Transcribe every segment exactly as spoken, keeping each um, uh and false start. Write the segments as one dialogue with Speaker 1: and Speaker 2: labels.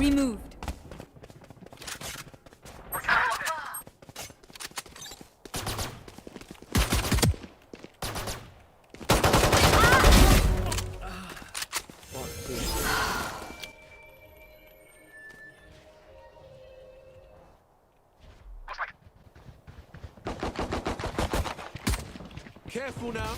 Speaker 1: removed.
Speaker 2: Careful now.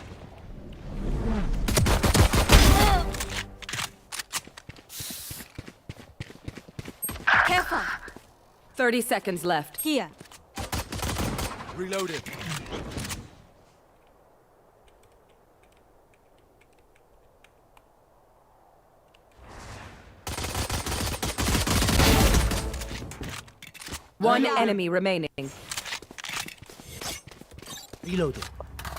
Speaker 1: Careful. Thirty seconds left. Here.
Speaker 2: Reloading.
Speaker 1: One enemy remaining.
Speaker 3: Reloading.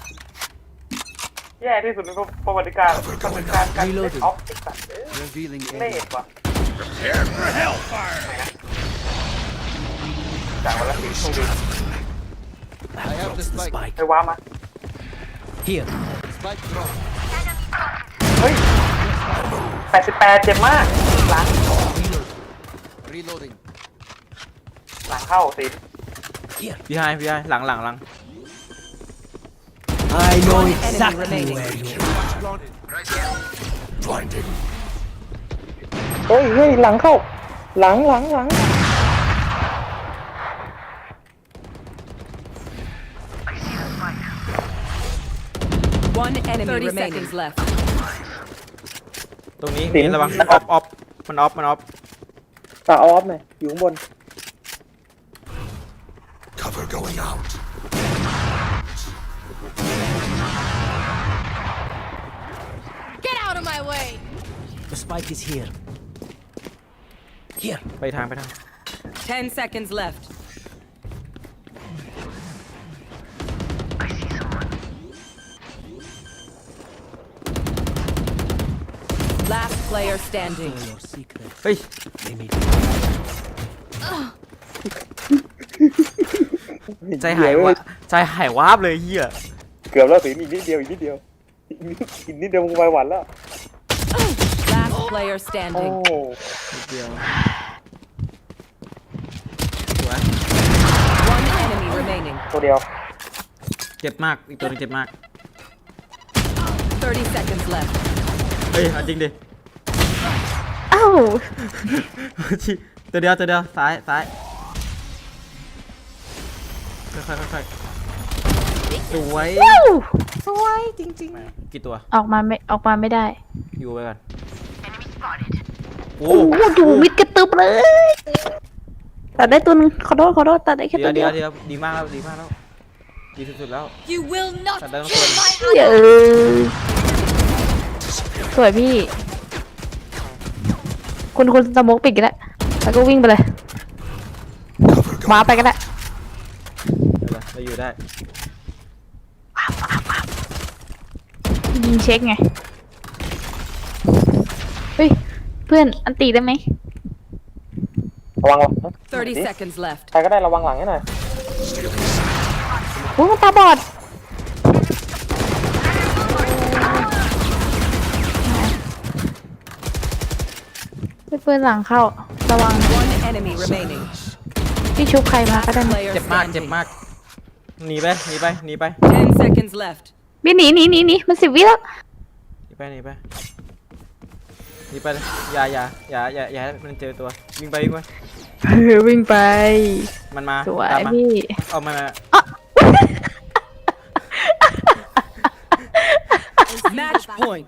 Speaker 4: แย่ที่สุดในประวัติการประวัติการการเล่นออฟติกสัตว์
Speaker 2: Revealing
Speaker 4: เล่
Speaker 2: area.
Speaker 4: ว่ะ
Speaker 2: Prepare for hellfire.
Speaker 4: จากวันละสี่ชั่วโมง
Speaker 2: I have the spike.
Speaker 4: ไปว้ามา
Speaker 3: Here.
Speaker 2: Spike drop.
Speaker 4: เฮ้ยแปดสิบแปดเจ็บมากหลัง
Speaker 2: Reloading.
Speaker 4: หลังเข้าสิ
Speaker 3: Here.
Speaker 5: พี่ไฮพี่ไฮหลังหลังหลัง
Speaker 3: I know
Speaker 1: One
Speaker 3: exactly
Speaker 1: enemy
Speaker 3: where
Speaker 1: remaining.
Speaker 3: you
Speaker 2: Planted.
Speaker 3: Blinded.
Speaker 4: เฮ้ยเฮ้ยหลังเข้าหลังหลังหลัง
Speaker 1: One enemy Thirty remaining. seconds left.
Speaker 5: ตรงนี้มีระวังออฟออฟมันออฟมันออฟ
Speaker 4: ตาออฟหน่อยอยู่ข้างบน
Speaker 3: Cover going out.
Speaker 1: Get out of my way.
Speaker 3: The spike is here. Here.
Speaker 5: ไปทางไปทาง
Speaker 1: Ten seconds left. Last player standing.
Speaker 3: For your secret.
Speaker 5: เฮ้ย
Speaker 3: They may
Speaker 5: ใจหายวะใจหายวาบเลยเฮีย
Speaker 4: เกือบแล้วสิอีกนิดเดียวอีกนิดเดียวอีกนิดอีกนิดเดียวมึงไปหวันแล้ว
Speaker 1: Last player
Speaker 4: โอ้
Speaker 1: standing.
Speaker 5: นิดเดียวสวย
Speaker 1: One enemy remaining.
Speaker 4: ตัวเดียว
Speaker 5: เจ็บมากอีกตัวนึงเจ็บมาก
Speaker 1: Thirty seconds left.
Speaker 5: เฮ้ยเอาจริงดิ
Speaker 6: อ้าว
Speaker 5: ตัวเดียวตัวเดียวซ้ายซ้ายค่อยๆค่อยๆสวย
Speaker 6: ว้าว
Speaker 5: สวยจริงๆกี่ตัว
Speaker 6: ออกมาไม่ออกมาไม่ได้
Speaker 5: อยู่ไปก่อนโอ้
Speaker 6: โอ้โหดูมิดกระตึบเลยตัดได้ตัวนึงขอโทษขอโทษตัดได้แค่
Speaker 5: เดี๋
Speaker 6: ตั
Speaker 5: ยว
Speaker 6: ว
Speaker 5: เดี๋
Speaker 6: เดี
Speaker 5: ย
Speaker 6: ยว ว
Speaker 5: เดี๋ยวดีมากแล้วดีมากแล้วดีสุดๆแล้ว
Speaker 1: You will not
Speaker 5: ตัดได้ทั้งตัวเลย
Speaker 6: เยอะสวยพี่ คุณคุณสโมกปิดก็ได้แล้วก็วิ่งไปเลยว้าไปก็ได้
Speaker 5: เดี๋ยวเราอยู่ได้
Speaker 6: ยิงเช็คไงเฮ้ยเพื่อนอันตีได้ไหม
Speaker 4: ระวังหลัง
Speaker 1: Thirty seconds left.
Speaker 4: ใครก็ได้ระวังหลังให้หน่อย
Speaker 6: โอ้มันตาบอดเพื่อนหลังเข้าระวัง
Speaker 1: One enemy remaining.
Speaker 6: พี่ชุบใครมาก็ได้
Speaker 1: Last
Speaker 6: นะ
Speaker 1: player
Speaker 5: เจ็บมากเจ็บ
Speaker 1: standing.
Speaker 5: มากหนีไปหนีไปหนีไป
Speaker 1: Ten seconds left.
Speaker 6: พี่หนีหนีหนีหนีมันสิบวิแล้ว
Speaker 5: หนีไปหนีไปหนีไปเลยอย่าอย่าอย่าอย่าอย่าให้มันเจอตัววิ่งไปวิ่งไป
Speaker 6: เออวิ่งไป
Speaker 5: มันมา
Speaker 6: สวย
Speaker 5: ตามมา
Speaker 6: พี่
Speaker 5: เอามันมา
Speaker 1: Match point.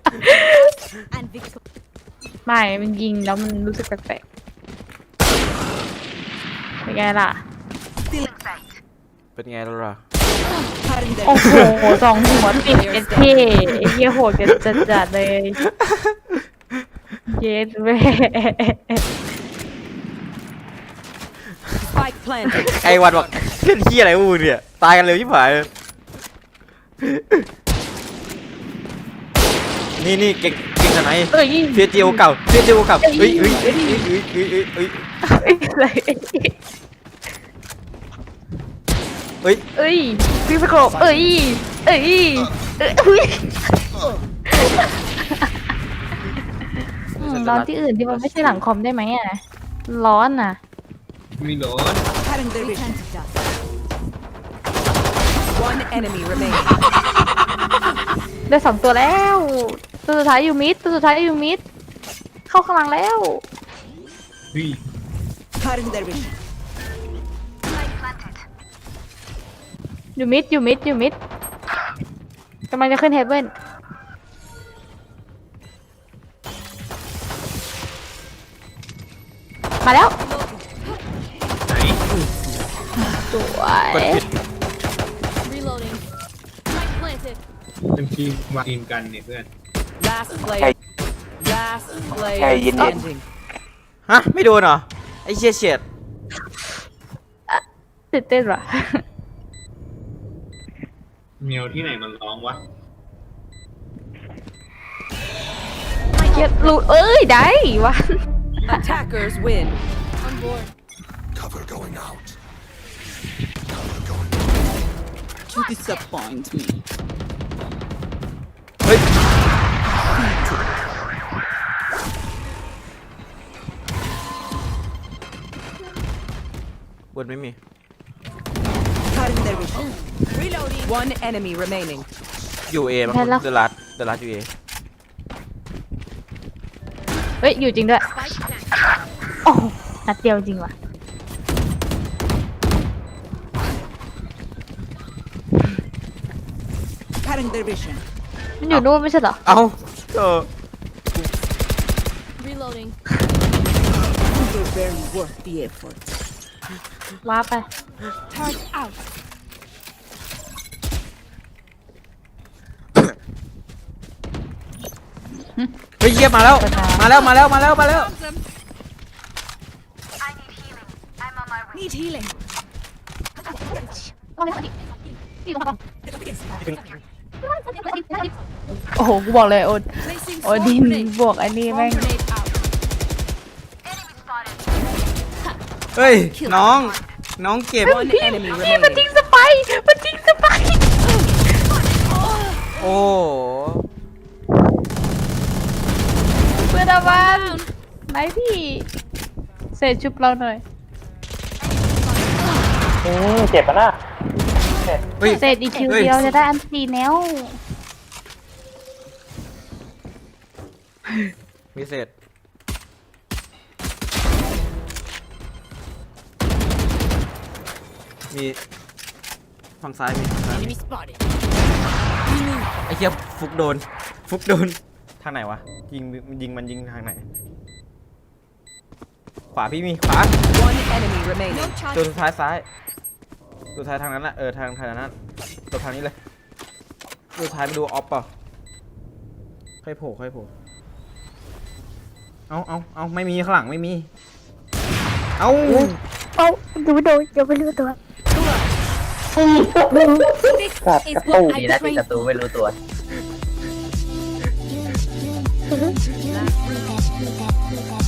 Speaker 6: ไม่มันยิงแล้วมันรู้สึกแปลกๆเป็นไงล่ะ
Speaker 5: เป็นไงล่ะล่ะ
Speaker 6: โอ้โหสองหัวติดเอสเท่ไอ้เหี้ยโหดกันจัดๆเลย เย็ดแม่
Speaker 1: Spike planted.
Speaker 5: ไอ้วันบอกเล่นที่อะไรอูเนี่ยตายกันเร็วชิบหายเลยนี่นี่เก่งเก่งขนาดไหน
Speaker 6: เอ้ย
Speaker 5: เฟียจิโอเก่าเฟียจิโอเก่าเฮ้ยเฮ้ยเฮ้ยเฮ้ยเฮ้ยเฮ้ยเฮ้ย
Speaker 6: เอ้ยอะไร
Speaker 5: เฮ้ย
Speaker 6: เอ้ยพี่สโคปเอ้ยเอ้ยเอ้ยอุ๊ยอืมนอนที่อื่นที่มันไม่ใช่หลังคอมได้ไหมอ่ะร้อนน่ะ
Speaker 7: ไม่ร้อน
Speaker 1: Cutting their vision. One enemy remaining.
Speaker 6: ได้สองตัวแล้วตัวสุดท้ายอยู่มิดตัวสุดท้ายอยู่มิดเข้าข้างหลังแล้ว
Speaker 7: เฮ้ย
Speaker 1: Cutting their vision.
Speaker 6: อยู่มิดอยู่มิดอยู่มิดกำลังจะขึ้นเฮเว่นมาแล้ว
Speaker 7: ไหน
Speaker 6: สวย
Speaker 5: กดผิด
Speaker 8: Reloading. Spike planted.
Speaker 7: เป็นทีมมาทีมกันเนี่ยเพื่อน
Speaker 1: Last player. Last player
Speaker 4: Hey, you need-
Speaker 1: standing.
Speaker 5: ฮะไม่โดนเหรอไอ้เชี่ยเฉียด
Speaker 6: ตื่นเต้นว่ะ
Speaker 7: เมียวที่ไหนมันร้องวะ
Speaker 6: เกียดหลุดเอ้ยได้วะ
Speaker 1: Attackers win.
Speaker 8: On board.
Speaker 3: Cover going out.
Speaker 1: You disappoint me.
Speaker 5: เฮ้ย บนไม่มี
Speaker 1: Cutting their vision. Reloading. One enemy remaining.
Speaker 5: อยู่เอมั้ง
Speaker 6: แพ้แล้ว
Speaker 5: เดลัดเดลัดอยู่เอ
Speaker 6: เฮ้ยอยู่จริงด้วย
Speaker 8: Spike planted.
Speaker 6: โอ้โหนัดเดียวจริงว่ะ
Speaker 1: Cutting their vision.
Speaker 6: มันอยู่นู่นไม่ใช่เหรอ
Speaker 5: เอ้าเออ
Speaker 8: Reloading.
Speaker 1: You're very worth the effort.
Speaker 6: ว้าไป
Speaker 1: Turn out.
Speaker 5: เฮ้ยเยียบมาแล้ว มาแล้วมาแล้วมาแล้วมาแล้ว
Speaker 1: Need healing.
Speaker 6: โอ้โหกูบอกเลยโอน
Speaker 1: Placing
Speaker 6: โอดิน
Speaker 1: swarm grenade.
Speaker 6: บวกไอ้นี่แม่ง
Speaker 1: Swarm grenade out.
Speaker 5: เฮ้ยน้อง น้องเก็บ
Speaker 1: One enemy
Speaker 6: พี่มันทิ้ง
Speaker 1: remaining.
Speaker 6: สไปร์มันทิ้งสไปร์
Speaker 5: โอ้
Speaker 6: เพื่อนอาวันไหนพี่เสร็จชุบเราหน่อย
Speaker 4: อืมเจ็บปะน่ะ
Speaker 5: เฮ้ย
Speaker 6: เสร็จอีกคิว
Speaker 5: เฮ้ย
Speaker 6: เดียวจะได้อันตีแนว
Speaker 5: มีเศษมีฝั่งซ้ายมีฝั่งซ้ายมี
Speaker 8: Enemy spotted.
Speaker 5: ไอ้เหี้ยฟุกโดน ฟุกโดน ทางไหนวะ ยิงยิงมันยิงทางไหน ขวาพี่มี ขวา
Speaker 1: One enemy remaining.
Speaker 5: ตัวสุดท้ายซ้าย ตัวสุดท้ายทางนั้นนะเออทางทางนั้นตัวทางนี้เลยตัวสุดท้ายไปดูออฟเปล่าค่อยโผล่ค่อยโผล่เอาเอาเอาไม่มีข้างหลังไม่มี เอา
Speaker 6: เอาดูโดนยังไม่รู้ตัว
Speaker 4: กัดกระตูดีนะที่กระตูไม่รู้ตัว
Speaker 8: Last